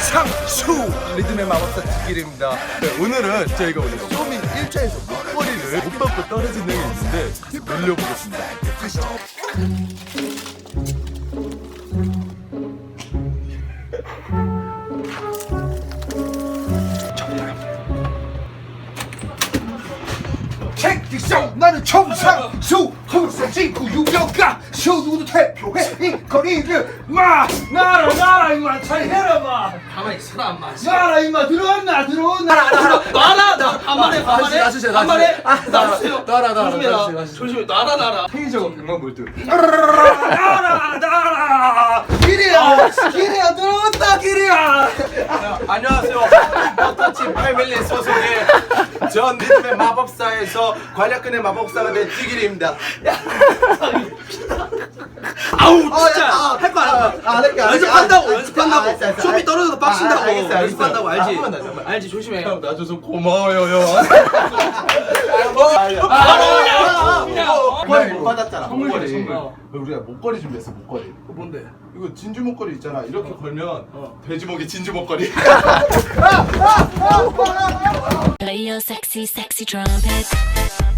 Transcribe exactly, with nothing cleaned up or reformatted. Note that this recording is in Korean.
총상수 리듬의 마법사 뒷길입니다. 네, 오늘은 저희가 오늘 쇼미 일 차에서 목걸이를 못 받고 떨어진 적이 있는데 같이 놀려보겠습니다. 가시죠. 책딕션 나는 총상수 홍상진구 유명가 쇼누구도 대표해 이 거리를 마 나라 나라 임마 잘 해라 마 가만히 있어라 엄마. 나라 임마 들어왔나 들어왔나 놔라 나 반말해 반말해 놔주세요, 반말해 놔주세요. 놔주세요. 놔라, 놔라, 조심해라. 놔주세요, 놔주세요. 조심해 놔라 놔라. 테이저가 백만 볼트. 나라 나라 길이야 길이야 들어왔다 길이야 안녕하세요. 버터칩 패밀리 소속의 전 리듬의 마법사에서 관략근의 마법사가 된 찌길입니다. 아우 진짜 아, 할 거 알아. 아, 할게, 알았어. 연습한다고 아, 아, 연습한다고. 알았어, 알았어. 쇼미 떨어져도 빡친다고. 아, 알겠어, 알겠어. 연습한다고 아, 알지. 한 번만 더, 한 번. 알지 조심해. 형 나줘서 고마워요 형. 바로 그냥. 목걸이 못 받았잖아. 선물 목걸이. 선물. 어. 우리가 목걸이 준비했어 목걸이. 뭔데? 이거 진주 목걸이 있잖아. 이렇게 걸면 돼지목이 진주 목걸이. Play your sexy, sexy trumpet.